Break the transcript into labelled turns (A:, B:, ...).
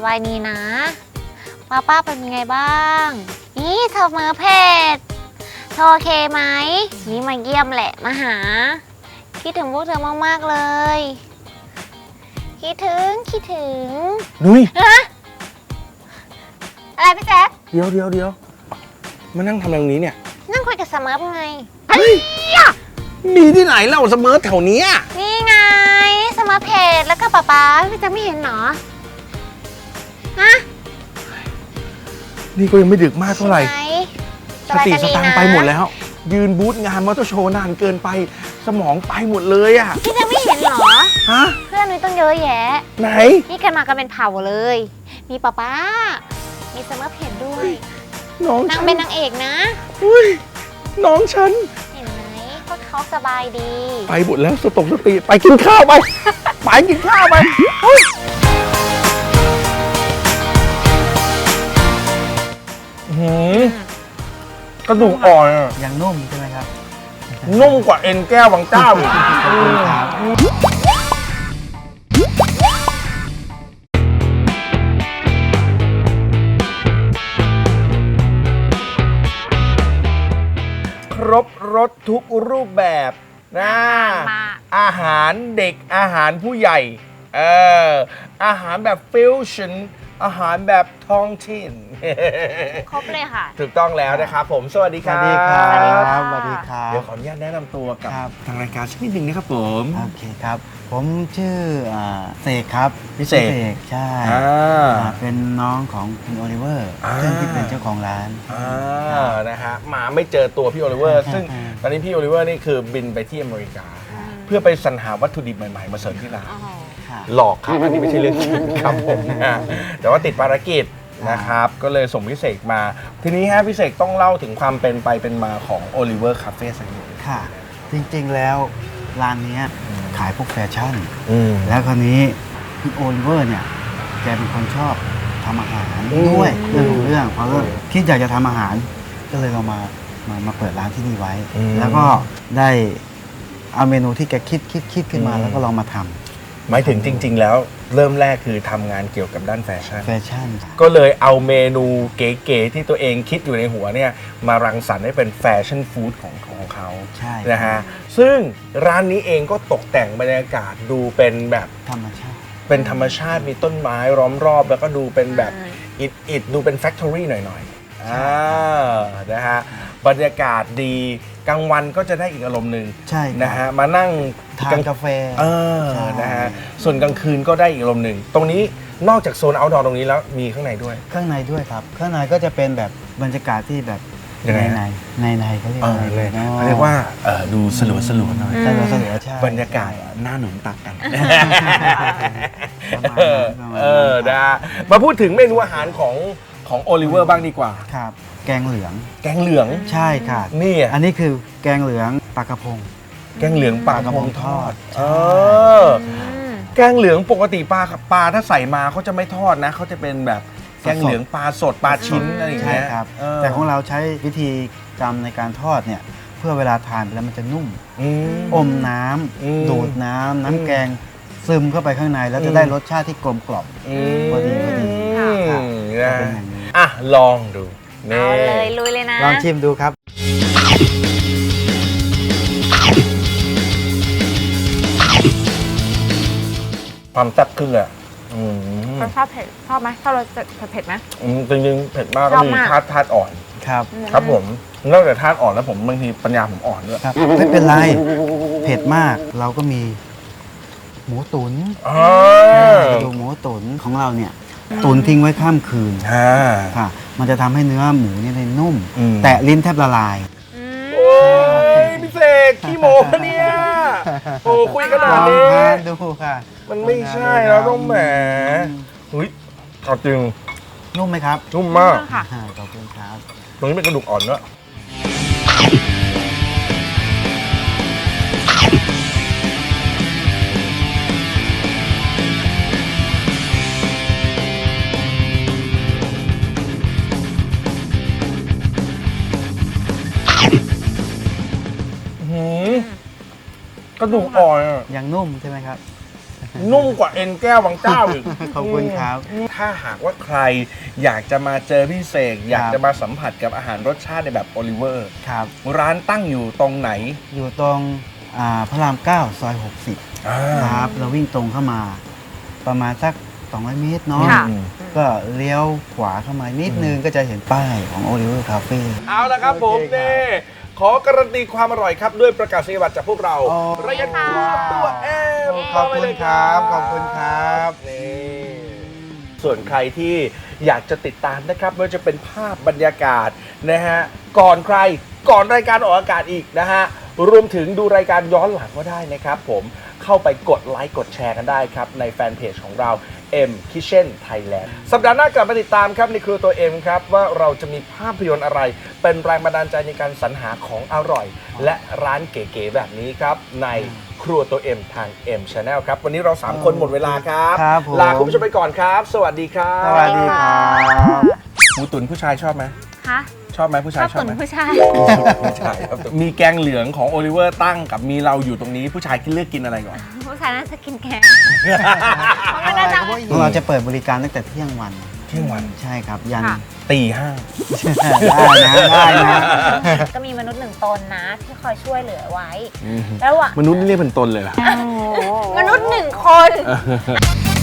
A: บายดีนะป้าเป็นยังไงบ้างนี่เธอมือเพจเธอโอเคไหมนี่มาเยี่ยมแหละมาหาคิดถึงพวกเธอมากๆเลยคิดถึง
B: นุ้ย
A: อะไรพี่แจ๊ค
B: เดี๋ยวมานั่งทำอะไรตรงนี้เนี่ย
A: นั่งคุยกับสมิร์ฟไง
B: มีที่ไหนเล่าเสมอแถวนี้
A: นี่ไงสมิร์ฟเพจแล้วก็ป้าพี่แจ๊คไม่เห็นหรอฮะ
B: นี่ก็ยังไม่ดึกมากเท่าไหร่สติสตังไปหมดแล้วยืนบูธงานมอเตอร์โชว์นานเกินไปสมองไปหมดเลย
A: พี่แจ๊คไม่เห็นหรอ
B: ฮะ
A: เพื่อนนุ้ยต้องเยอะแยะ
B: ไหน
A: นี่กันมากันเป็นเผ่าเลยมีป้ามีสมิร์ฟเพจด้วย
B: น้อง
A: นางเป็นนางเอกนะ
B: อุ้ยน้องฉัน
A: เห็นไหมก็เขาสบายดี
B: ไปหมดแล้วสติไปกินข้าวไปไปกินข้าวไปกระดูกอ่อน
C: ยังนุ่มใช่ไหมครับ
B: นุ่มกว่าเอ็นแก้วบางเจ้าอีกครบรสทุกรูปแบบนะอาหารเด็กอาหารผู้ใหญ่อาหารแบบฟิวชั่นอาหารแบบท้องถิ่น
A: ครบเลยค่ะ
B: ถูกต้องแล้วนะครับผมสวัสดีครับ
C: สวัสดีครับ
B: เดี๋ยวขออนุญาตแนะนำตัวกับทางรายการสักนิดนึงนะครับผม
C: โอเคครับผมชื่อเสกครับ
B: พี่เสก
C: ใช่เป็นน้องของคุณโอลิเวอร์ซึ่งที่เป็นเจ้าของร้าน
B: นะฮะมาไม่เจอตัวพี่โอลิเวอร์ซึ่งตอนนี้พี่โอลิเวอร์นี่คือบินไปที่อเมริกาเพื่อไปสรรหาวัตถุดิบใหม่ๆมาเสริมที่ร้านหลอกครับอันนี้ไม่ใช่เรื่องจริงครับผมแต่ว่าติดภารกิจนะครับก็เลยส่งพิเศษมาทีนี้ฮะพิเศษต้องเล่าถึงความเป็นไปเป็นมาของ Oliver Cafe สักนิด
C: ค่ะจริงๆแล้วร้านนี้ขายพวกแฟชั่นแล้วคราวนี้พี่โอลิเวอร์เนี่ยแกเป็นคนชอบทำอาหารด้วยเรื่องเพราะว่าคิดอยากจะทำอาหารก็เลยเรามาเปิดร้านที่นี่ไว้แล้วก็ได้เอาเมนูที่แกคิดขึ้นมาแล้วก็ลองมาทำ
B: หมายถึงจริงๆแล้วเริ่มแรกคือทำงานเกี่ยวกับด้านแฟชั่นก็เลยเอาเมนูเก๋ๆที่ตัวเองคิดอยู่ในหัวเนี่ยมารังสรรค์ให้เป็นแฟชั่นฟู้ดของเขา
C: ใช่
B: นะฮะซึ่งร้านนี้เองก็ตกแต่งบรรยากาศดูเป็นแบบ
C: ธรรมชาติ
B: มีต้นไม้ล้อมรอบแล้วก็ดูเป็นแบบอิดดูเป็นแฟคทอรี่หน่อยๆนะฮะบรรยากาศดีกลางวันก็จะได้อีกอารมณ์หนึ่งนะฮะมานั่ง
C: ทานกาแฟ
B: นะฮะส่วนกลางคืนก็ได้อีกอารมณ์หนึ่งตรงนี้นอกจากโซนเอาท์ดอร์ตรงนี้แล้วมีข้างในด้วย
C: ครับข้างในก็จะเป็นแบบบรรยากาศที่แบบในเขาเรียกอะไรเลย
B: เขาเรียกว่าดูสลัวหน่อย
C: ใช่
B: บรรยากาศหน้าหนุนตักกันมาพูดถึงเมนูอาหารของโอลิเวอร์บ้างดีกว่า
C: ครับแกงเหลืองใช่ค่ะ
B: นี่
C: อันนี้คือแกงเหลืองปลากระพง
B: แกงเหลืองปลากระพงทอดแกงเหลืองปกติปลาถ้าใส่มาเขาจะไม่ทอดนะเขาจะเป็นแบบแกงเหลืองปลาสดปลาชิ้นอะไรอย่างเงี้ย
C: ครับแต่ของเราใช้วิธีกรรมในการทอดเนี่ยเพื่อเวลาทานแล้วมันจะนุ่มอมน้ำดูดน้ำแกงซึมเข้าไปข้างในแล้วจะได้รสชาติที่กลมกล่อมพอดี
B: ลองดู
A: เอาเลยลุยเลยนะ
C: ลองชิมดูครับ
B: ความแซ่บขึ้นเลย
A: ชอบเผ็ดชอบไหมชอบรสเผ็ดไหม
B: จริงๆเผ็ดมากก็มีธาตุอ่อนครับผมนอกจากธาตุอ่อนแล้วผมบางทีปัญญาผมอ่อนด้วย
C: ไม่เป็นไรเผ็ดมากเราก็มีหมูตุ๋นดูหมูตุ๋นของเราเนี่ยตุ๋นทิ้งไว้ข้ามคืนค่ะมันจะทำให้เนื้อหมูเนี่ยนุ่มแตะลิ้นแทบละลาย
B: โอ้ยพิเศษขี้โม้เนี่ยโอ้คุยขนาดนี้
C: ดูค่ะ
B: มันไม่ใช่แล้วต้องแหมเฮ้ยเอาจริง
C: นุ่มไหมครับ
B: นุ่มมาก
C: ขอบคุณครับ
B: ตรงนี้เป็นกระดูกอ่อนเนอะกระดูกอ่อน
C: ยังนุ่มใช่ไหมครับ
B: นุ่มกว่าเอ็นแก้วบางเจ้าอีก
C: ขอบคุณครับ
B: ถ้าหากว่าใครอยากจะมาเจอพี่เสกอยากจะมาสัมผัสกับอาหารรสชาติในแบบโอลิเวอร์
C: ครับ
B: ร้านตั้งอยู่ตรงไหน
C: อยู่ตรงพระราม 9 ซอย 60 ครับ เราวิ่งตรงเข้ามา ประมาณสัก 200 เมตรเนาะ
A: ค่ะ
C: ก็เลี้ยวขวาเข้ามานิดนึงก็จะเห็นป้ายของ Oliver Cafe
B: เอาละครับผม
C: โอเคครับ
B: นี่ขอการันตีความอร่อยครับด้วยประกาศนียบัตรจากพวกเรา
C: อ๋อ
B: ระยะครัวตัวเอ็ม
C: ขอบคุณครับ ขอบคุณครับ
B: นี่ส่วนใครที่อยากจะติดตามนะครับไม่ว่าจะเป็นภาพบรรยากาศนะฮะก่อนใครก่อนรายการออกอากาศอีกนะฮะรวมถึงดูรายการย้อนหลังก็ได้นะครับผมเข้าไปกดไลค์กดแชร์กันได้ครับในแฟนเพจของเรา M Kitchen Thailand สัปดาห์หน้ากลับมาติดตามครับในครัวตัว M ครับว่าเราจะมีภาพยนตร์อะไร เป็นแรงบันดาลใจในการสรรหาของอร่อย และร้านเก๋ๆแบบนี้ครับในครัวตัว M ทาง M Channel ครับวันนี้เรา 3 คนหมดเวลาครับ
C: ครับผม
B: ลาคุณผู้ชมไปก่อนครับ สวัสดีครับ
C: สวัสดีครับ
B: หมูตุ๋นผู้ชายชอบไหม
A: คะ
B: ชอบไหมผู้
A: ช
B: ชา
A: อย บ
B: ชอบ
A: ตุ๋น
B: ไหม
A: ผู้ชาย
B: ผู้ชายครับมีแกงเหลืองของโอลิเวอร์ตั้งกับมีเราอยู่ตรงนี้ผู้ชายเลือกกินอะไรก่อน
A: ผู้ชายน่าจะกินแกงเพราะมันน่าจะ
C: เราจะเปิดบริการตั้งแต่เที่ยงวัน
B: เที่ยงวัน
C: ใช่ครับ ยัน
A: ค่ะ
B: ตีห้า
C: ได้นะ
A: ก็มีมนุษย์หนึ่งตนนะ ที่คอยช่วยเหลือไว้ แล้วอะ
B: มนุษย์นี่เรียกเป็นตนเลยล่ะ
A: มนุษย์หนึ่งคน